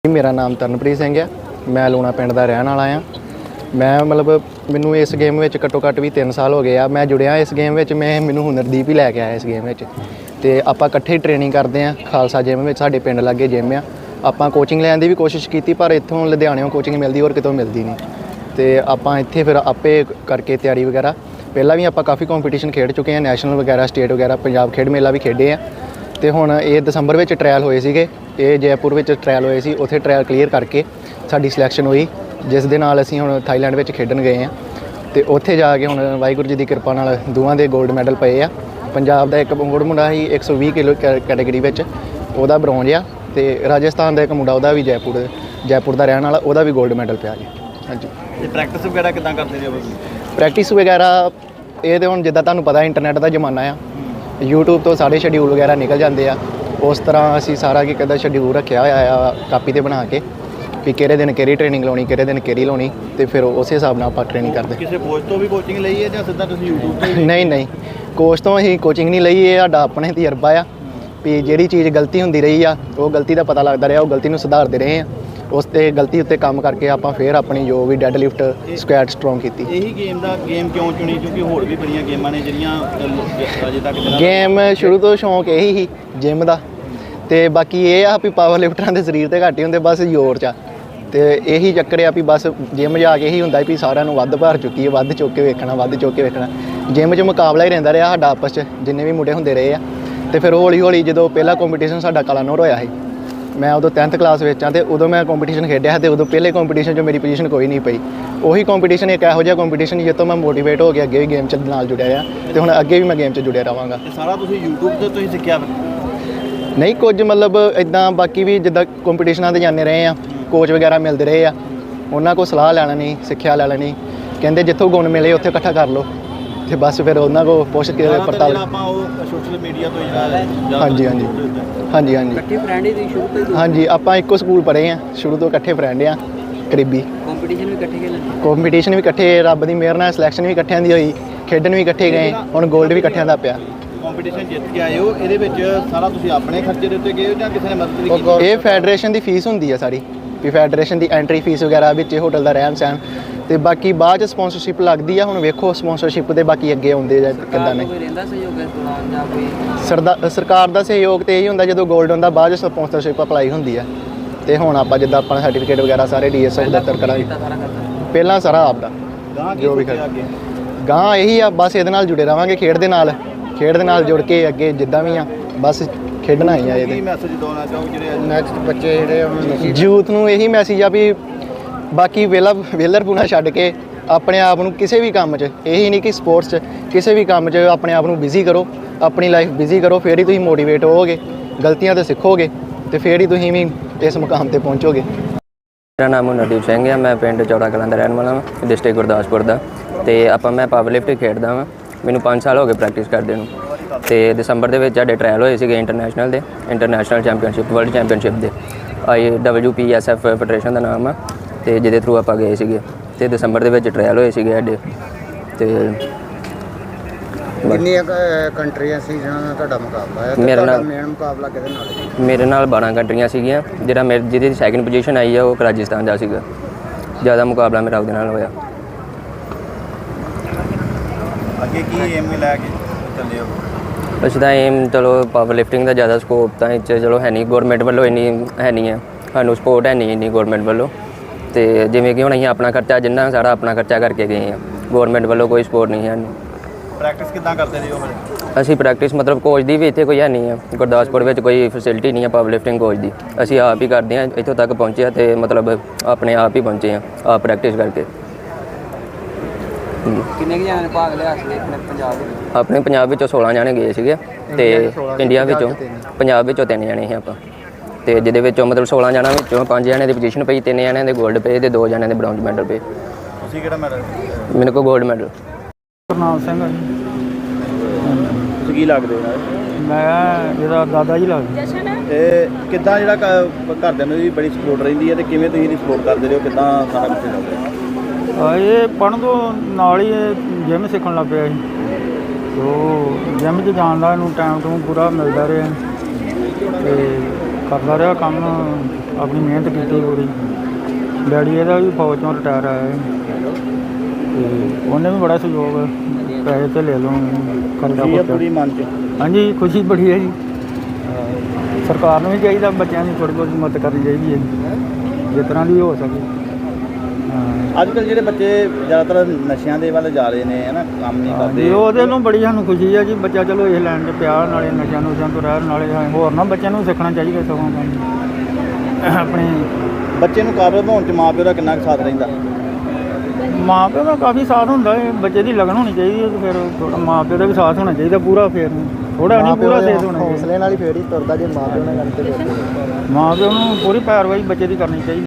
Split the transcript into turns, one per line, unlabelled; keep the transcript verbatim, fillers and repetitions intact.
मेरा नाम तरनप्रीत सिंह है। मैं लूणा पिंड का रहने वाला हाँ। मैं मतलब मैनू इस गेम में घट्टो घट्ट भी तीन साल हो गए आ। मैं जुड़िया इस गेम में, मैं मैनू हुनरदीप ही लैके आया इस गेम में। तो आप इकट्ठे ट्रेनिंग करते हैं खालसा जिम में, साडे पिंड लागे जिम आ। आप कोचिंग लैन की भी कोशिश की पर इत्थों लुधियाने कोचिंग मिलती और कितों मिलती नहीं। तो आप इत्थे फिर आपे करके तैयारी वगैरह पहला भी आप काफ़ी कॉम्पीटिशन खेड चुके हैं, नैशनल वगैरह स्टेट वगैरह पंजाब खेड मेला भी खेडे हैं। तो हुण ये दसंबर में ट्रायल होए सीगे, ये जयपुर में ट्रायल होए सी, उत्थे ट्रायल क्लीयर करके साडी सिलैक्शन हुई, जिस दे नाल असीं हुण थाईलैंड में खेडन गए हैं। तो उत्थे जाके हुण वाहिगुरू जी की कृपा नाल दोवां दे गोल्ड मैडल पे आ। पंजाब का एक मुंड मुंडा ही एक सौ भी किलो कैटेगरी में वह ब्रॉन्ज आ। तो राजस्थान का एक मुंडा वह भी जयपुर जयपुर का रहने वाला, वह भी गोल्ड मैडल पिया जी। हाँ जी।
प्रैक्टिस वगैरह किदां करते हो?
प्रैक्टिस वगैरह ये तो हुण जिद्दां तुहानूं पता इंटरनेट का जमाना आ, यूट्यूब तो सारे शेड्यूल वगैरह निकल जाते हैं। उस तरह असी सारा की कहता शेड्यूल रखा हुआ कापी ते बना के भी किहड़े दिन किहड़ी ट्रेनिंग लाउणी, किहड़े दिन किहड़ी लाउणी, तो फिर उस हिसाब नाल आपां ट्रेनिंग करते।
किसी कोच तो भी कोचिंग लई है जां सिद्धा तुसीं यूट्यूब ते?
नहीं नहीं, कोच तो असीं कोचिंग नहीं लई, ये साडा अपने तजर्बा आ भी जिहड़ी चीज़ गलती हुंदी रही आ वो गलती का पता लगता रहा, वो गलती नूं सुधारते रहे हैं। उस ते गलती उत्ते काम करके आपां फिर अपनी जो भी डेड लिफ्ट स्क्वैट स्ट्रोंग की।
यही गेम दा गेम क्यों चुनी? क्योंकि होर भी बड़ियां गेमां ने जिहड़ियां अजे तक
गेम शुरू तो शौक यही ही जिम का। तो बाकी ये आ भी पावर लिफ्टरां दे शरीर ते घट ही हुंदे, बस जोर च। तो यही चक्कर आ भी बस जिम जाके ही हुंदा भी सारिਆਂ ਨੂੰ ਵੱਧ भार चुकी है, ਵੱਧ चुक के वेखना, ਵੱਧ चुक के वेखना। जिम च मुकाबला ही रहिंदा रहा साडा आपस च, जिन्ने भी मुंडे हुंदे रहे आ। तो फिर हौली हौली जो पहला कॉम्पीटिशन साडा कलानौर होया है, मैं उदों टेंथ क्लास में हाँ, तो उदों मैं कॉम्पीटिशन खेडिया, तो उदों पहले कॉम्पीटिशन जो मेरी पोजीशन कोई नहीं पई। उही कॉम्पीटिशन एक इहो जिहा कॉम्पीटिशन जिस तो मैं मोटिवेट हो गया, अगे भी गेम च नाल जुड़िया आ, तो हुण अगे भी मैं गेम च जुड़िया रहांगा।
सारा तुसीं यूट्यूब ते तुसीं सिੱਖਿਆ?
नहीं कुछ मतलब इदां बाकी भी जिद्दां कॉम्पीटिशनां ते जाने रहे हैं, कोच वगैरह मिलते रहे आ, उन्होंने को सलाह लै लैनी, सिक्ख्या लै लैनी, कहते जिੱਥੋਂ गुण मिले उत्थे इकट्ठा कर लो। तो बस फिर उन्होंने को पुछ के पड़ताल।
सोशल मीडिया तो
हाँ जी हाँ जी हाँ जी हाँ जी हाँ जी, आप एको स्कूल पढ़े हैं, शुरू तो इकट्ठे फ्रेंड आ करीबी।
कॉम्पीटिशन भी इकट्ठे खेलते?
कॉम्पीटिशन भी इकट्ठे, रब की मेहर नाल सिलैक्शन भी इकट्ठिਆਂ ਦੀ होई, खेडन भी इकट्ठे गए, हुण गोल्ड भी इकट्ठिਆਂ ਦਾ पिया।
कॉम्पीटिशन जित के आए हो, ਇਹਦੇ ਵਿੱਚ ਸਾਰਾ ਤੁਸੀਂ ਆਪਣੇ ਖਰਚੇ ਦੇ ਉੱਤੇ ਗਏ ਹੋ ਜਾਂ ਕਿਸੇ ਨੇ ਮਦਦ ਵੀ ਕੀਤੀ?
ਇਹ ਫੈਡਰੇਸ਼ਨ ਦੀ ਫੀਸ ਹੁੰਦੀ ਆ ਸਾਰੀ, ਵੀ ਫੈਡਰੇਸ਼ਨ ਦੀ ਐਂਟਰੀ ਫੀਸ ਵਗੈਰਾ ਵਿੱਚ ਹੋਟਲ ਦਾ ਰਹਿਣ ਸਹਿਣ, ਤੇ ਬਾਕੀ ਬਾਅਦ ਚ ਸਪਾਂਸਰਸ਼ਿਪ ਲੱਗਦੀ ਆ। ਹੁਣ ਵੇਖੋ ਸਪਾਂਸਰਸ਼ਿਪ ਦੇ ਬਾਕੀ ਅੱਗੇ ਆਉਂਦੇ ਜਾਂ ਕਿੱਦਾਂ ਨੇ। ਸਰਦਾ ਸਰਕਾਰ ਦਾ ਸਹਿਯੋਗ ਤੇ ਇਹੀ ਹੁੰਦਾ ਜਦੋਂ 골ਡ ਹੁੰਦਾ, ਬਾਅਦ ਚ ਸਪਾਂਸਰਸ਼ਿਪ ਅਪਲਾਈ ਹੁੰਦੀ ਆ। ਤੇ ਹੁਣ ਆਪਾਂ ਜਿੱਦਾਂ ਆਪਣਾ ਸਰਟੀਫਿਕੇਟ ਵਗੈਰਾ ਸਾਰੇ ਡੀਐਸਐਫ ਦਫ਼ਤਰ ਕਰਾਂਗੇ, ਪਹਿਲਾਂ ਸਾਰਾ ਆਪਦਾ ਜੋ ਵੀ ਖਰਚਾ ਗਾਂ ਇਹੀ ਆ। ਬਸ ਇਹਦੇ ਨਾਲ ਜੁੜੇ ਰਵਾਂਗੇ, ਖੇਡ ਦੇ ਨਾਲ ਖੇਡ ਦੇ ਨਾਲ ਜੁੜ ਕੇ ਅੱਗੇ ਜਿੱਦਾਂ ਵੀ ਆ ਬਸ ਖੇਡਣਾ ਹੀ ਆ। ਇਹਦੇ
ਮੈਸੇਜ ਦੇਣਾ ਚਾਹੋ ਜਿਹੜੇ
ਨੈਕਸਟ ਬੱਚੇ ਜਿਹੜੇ ਯੂਥ ਨੂੰ ਇਹੀ ਮੈਸੇਜ ਆ ਵੀ ਬਾਕੀ ਵੇਲਾ ਵੇਲਰਪੂਣਾ ਛੱਡ ਕੇ ਆਪਣੇ ਆਪ ਨੂੰ ਕਿਸੇ ਵੀ ਕੰਮ 'ਚ, ਇਹੀ ਨਹੀਂ ਕਿ ਸਪੋਰਟਸ 'ਚ, ਕਿਸੇ ਵੀ ਕੰਮ 'ਚ ਆਪਣੇ ਆਪ ਨੂੰ ਬਿਜ਼ੀ ਕਰੋ, ਆਪਣੀ ਲਾਈਫ ਬਿਜ਼ੀ ਕਰੋ, ਫਿਰ ਹੀ ਤੁਸੀਂ ਮੋਟੀਵੇਟ ਹੋਵੋਗੇ, ਗਲਤੀਆਂ ਤੋਂ ਸਿੱਖੋਗੇ ਤੇ ਫਿਰ ਹੀ ਤੁਸੀਂ ਵੀ ਇਸ ਮੁਕਾਮ ਤੇ ਪਹੁੰਚੋਗੇ।
ਮੇਰਾ ਨਾਮ ਹੁਨਰਦੀਪ ਸਿੰਘ ਹੈ, ਮੈਂ ਪਿੰਡ ਚੌੜਾ ਕਲਾਂ ਦਾ ਰਹਿਣ ਵਾਲਾ ਹਾਂ, ਡਿਸਟ੍ਰਿਕਟ ਗੁਰਦਾਸਪੁਰ ਦਾ। ਤੇ ਆਪਾਂ ਮੈਂ ਪਾਵਰ ਲਿਫਟ ਖੇਡਦਾ ਵਾਂ, ਮੈਨੂੰ ਪੰਜ ਸਾਲ ਹੋ ਗਏ ਪ੍ਰੈਕਟਿਸ ਕਰਦੇ ਨੂੰ। ਤੇ ਦਸੰਬਰ ਦੇ ਵਿੱਚ ਸਾਡੇ ਟ੍ਰਾਇਲ ਹੋਏ ਸੀਗੇ ਇੰਟਰਨੈਸ਼ਨਲ ਦੇ, ਇੰਟਰਨੈਸ਼ਨਲ ਚੈਂਪੀਅਨਸ਼ਿਪ, ਵਰਲਡ ਚੈਂਪੀਅਨਸ਼ਿਪ ਦੇ, I W P S F federation ਦਾ ਨਾਮ ਆ, ਤੇ ਜਿਹਦੇ ਥਰੂ ਆਪਾਂ ਗਏ ਸੀਗੇ। ਤੇ ਦਸੰਬਰ ਦੇ ਵਿੱਚ ਟ੍ਰਾਇਲ ਹੋਏ ਸੀਗੇ ਸਾਡੇ। ਤੇ
ਕਿੰਨੀਆਂ ਕੰਟਰੀਆਂ ਸੀ ਜਿਹਨਾਂ ਨਾਲ ਤੁਹਾਡਾ ਮੁਕਾਬਲਾ ਹੈ?
ਮੇਰੇ ਨਾਲ
ਮੇਨ ਮੁਕਾਬਲਾ ਕਿਹਦੇ ਨਾਲ ਹੈ?
ਮੇਰੇ ਨਾਲ ਬਾਰਾਂ ਕੰਟਰੀਆਂ ਸੀਗੀਆਂ, ਜਿਹੜਾ ਮੇਰੇ ਜਿਹਦੀ ਸੈਕਿੰਡ ਪੋਜੀਸ਼ਨ ਆਈ ਆ ਉਹ ਰਾਜਸਥਾਨ ਦਾ ਸੀਗਾ। ਜ਼ਿਆਦਾ ਮੁਕਾਬਲਾ ਮੇਰਾ ਉਹਦੇ ਨਾਲ ਹੋਇਆ।
ਅੱਗੇ ਕੀ ਏਮ ਲੈ ਕੇ ਚੱਲੇ ਹੋ?
ਅਸੀਂ ਤਾਂ ਏਮ ਚਲੋ ਪਾਵਰ ਲਿਫਟਿੰਗ ਦਾ ਜ਼ਿਆਦਾ ਸਕੋਪ ਤਾਂ ਇੱਥੇ ਚਲੋ ਹੈ ਨਹੀਂ, ਗੌਰਮੈਂਟ ਵੱਲੋਂ ਇੰਨੀ ਹੈ ਨਹੀਂ ਹੈ, ਸਾਨੂੰ ਸਪੋਰਟ ਹੈ ਨਹੀਂ ਇੰਨੀ ਗੌਰਮੈਂਟ ਵੱਲੋਂ। ਅਤੇ ਜਿਵੇਂ ਕਿ ਹੁਣ ਅਸੀਂ ਆਪਣਾ ਖਰਚਾ ਜਿੰਨਾ ਸਾਰਾ ਆਪਣਾ ਖਰਚਾ ਕਰਕੇ ਗਏ ਹਾਂ, ਗੌਰਮੈਂਟ ਵੱਲੋਂ ਕੋਈ ਸਪੋਰਟ ਨਹੀਂ ਹੈ।
ਪ੍ਰੈਕਟਿਸ ਕਿੱਦਾਂ ਕਰਦੇ ਰਹੇ ਹੋ ਫਿਰ?
ਅਸੀਂ ਪ੍ਰੈਕਟਿਸ ਮਤਲਬ ਕੋਚ ਦੀ ਵੀ ਇੱਥੇ ਕੋਈ ਹੈ ਨਹੀਂ ਹੈ, ਗੁਰਦਾਸਪੁਰ ਵਿੱਚ ਕੋਈ ਫੈਸਿਲਿਟੀ ਨਹੀਂ ਹੈ ਪਾਵਰ ਲਿਫਟਿੰਗ ਕੋਚ ਦੀ। ਅਸੀਂ ਆਪ ਹੀ ਕਰਦੇ ਹਾਂ, ਇੱਥੋਂ ਤੱਕ ਪਹੁੰਚੇ ਹਾਂ ਅਤੇ ਮਤਲਬ ਆਪਣੇ ਆਪ ਹੀ ਪਹੁੰਚੇ ਹਾਂ, ਆਪ ਪ੍ਰੈਕਟਿਸ ਕਰਕੇ।
ਕਿੰਨੇ ਕੁ ਜਣਿਆਂ ਨੇ ਭਾਗ ਲਿਆ ਸੀ ਆਪਣੇ ਪੰਜਾਬ ਵਿੱਚ?
ਆਪਣੇ ਪੰਜਾਬ ਵਿੱਚੋਂ ਸੋਲਾਂ ਜਾਣੇ ਗਏ ਸੀਗੇ, ਅਤੇ ਇੰਡੀਆ ਵਿੱਚੋਂ ਪੰਜਾਬ ਵਿੱਚੋਂ ਤਿੰਨ ਜਾਣੇ ਸੀ ਆਪਾਂ। ਅਤੇ ਜਿਹਦੇ ਵਿੱਚੋਂ ਮਤਲਬ ਸੋਲਾਂ ਜਣਾਂ ਵਿੱਚੋਂ ਪੰਜ ਜਣਿਆਂ ਦੀ ਪੋਜੀਸ਼ਨ ਪਈ, ਤਿੰਨ ਜਣਿਆਂ ਦੇ ਗੋਲਡ ਪਏ ਅਤੇ ਦੋ ਜਣਿਆਂ ਦੇ ਬ੍ਰੌਂਜ ਮੈਡਲ ਪਏ।
ਤੁਸੀਂ ਕਿਹੜਾ ਮੈਡਲ?
ਮੈਨੂੰ ਕੋਲ ਗੋਲਡ ਮੈਡਲ।
ਗੁਰਨਾਮ ਸਿੰਘ
ਤੁਸੀਂ ਕੀ ਲੱਗਦੇ ਹੋ?
ਮੈਂ ਇਹਦਾ ਦਾਦਾ ਜੀ ਲੱਗਦਾ।
ਤੇ ਕਿੱਦਾਂ ਜਿਹੜਾ ਘਰਦਿਆਂ ਨੂੰ ਵੀ ਬੜੀ ਸਪੋਰਟ ਰਹਿੰਦੀ ਹੈ, ਤੇ ਕਿਵੇਂ ਤੁਸੀਂ ਇਹਦੀ ਸਪੋਰਟ ਕਰਦੇ ਰਹੇ ਹੋ? ਕਿੱਦਾਂ ਸਾਰਾ ਕੁਝ ਚੱਲਦਾ?
ਇਹ ਪੜ੍ਹਨ ਤੋਂ ਨਾਲ ਹੀ ਜਿਮ ਸਿੱਖਣ ਲੱਗ ਪਿਆ ਸੀ। ਉਹ ਜਿਮ 'ਚ ਜਾਣ ਦਾ ਇਹਨੂੰ ਟਾਈਮ ਟੂ ਪੂਰਾ ਮਿਲਦਾ ਰਿਹਾ। ਅਤੇ ਕਰਦਾ ਰਿਹਾ ਕੰਮ, ਆਪਣੀ ਮਿਹਨਤ ਕੀਤੀ ਪੂਰੀ। ਡੈਡੀ ਇਹਦਾ ਵੀ ਫੌਜ ਤੋਂ ਰਿਟਾਇਰ ਆਇਆ ਹੈ ਤੇ ਉਹਨੇ ਵੀ ਬੜਾ ਸਹਿਯੋਗ, ਪੈਸੇ ਤੇ ਲੈ ਲਓ ਖਰਚਾ
ਖੁਸ਼ੀ ਹੈ
ਪੁੱਛਿਆ।
ਪੂਰੀ ਮਨ 'ਚ।
ਹਾਂਜੀ ਖੁਸ਼ੀ ਬੜੀ ਹੈ ਜੀ। ਸਰਕਾਰ ਨੂੰ ਵੀ ਚਾਹੀਦਾ ਬੱਚਿਆਂ ਦੀ ਥੋੜ੍ਹੀ ਬਹੁਤੀ ਮਦਦ ਕਰਨੀ ਚਾਹੀਦੀ ਹੈ ਜਿਸ ਤਰ੍ਹਾਂ ਦੀ ਹੋ ਸਕੇ। ਹਾਂ
ਅੱਜ ਕੱਲ੍ਹ ਜਿਹੜੇ ਬੱਚੇ ਜ਼ਿਆਦਾਤਰ ਨਸ਼ਿਆਂ ਦੇ ਵੱਲ ਜਾ ਰਹੇ ਨੇ ਹੈ ਨਾ, ਕੰਮ ਨਹੀਂ
ਜੀ
ਕਰਦੇ।
ਉਹਦੇ ਨੂੰ ਬੜੀ ਸਾਨੂੰ ਖੁਸ਼ੀ ਹੈ ਜੀ, ਬੱਚਾ ਚਲੋ ਇਹ ਲਾਈਨ 'ਚ ਪਿਆ, ਨਾਲੇ ਨਸ਼ਿਆਂ ਨੁਸ਼ਿਆਂ ਤੋਂ ਰਹਿਣ, ਨਾਲੇ ਹੋਰ ਨਾ ਬੱਚਿਆਂ ਨੂੰ ਸਿੱਖਣਾ ਚਾਹੀਦਾ ਸਗੋਂ ਕੰਮ ਆਪਣੇ।
ਬੱਚੇ ਨੂੰ ਕਾਬਲ ਬਣਾਉਣ 'ਚ ਮਾਂ ਪਿਓ ਦਾ ਕਿੰਨਾ ਕੁ ਸਾਥ ਰਹਿੰਦਾ?
ਮਾਂ ਪਿਓ ਦਾ ਕਾਫੀ ਸਾਥ ਹੁੰਦਾ ਹੈ, ਬੱਚੇ ਦੀ ਲਗਨ ਹੋਣੀ ਚਾਹੀਦੀ ਹੈ ਤੇ ਫਿਰ ਥੋੜ੍ਹਾ ਮਾਂ ਪਿਓ ਦਾ ਵੀ ਸਾਥ ਹੋਣਾ ਚਾਹੀਦਾ ਪੂਰਾ, ਫਿਰ ਥੋੜ੍ਹਾ ਨਹੀਂ ਪੂਰਾ ਸਾਥ ਹੋਣਾ ਚਾਹੀਦਾ।
ਹੌਸਲੇ ਨਾਲ ਹੀ ਫੇਰ ਹੀ ਤੁਰਦਾ ਜੇ ਮਾਂ ਪਿਓ ਨਾਲ ਗੱਲ ਤੇ
ਮਾਂ ਪਿਓ ਨੂੰ ਪੂਰੀ ਪੈਰਵਾਈ ਬੱਚੇ ਦੀ ਕਰਨੀ ਚਾਹੀਦੀ।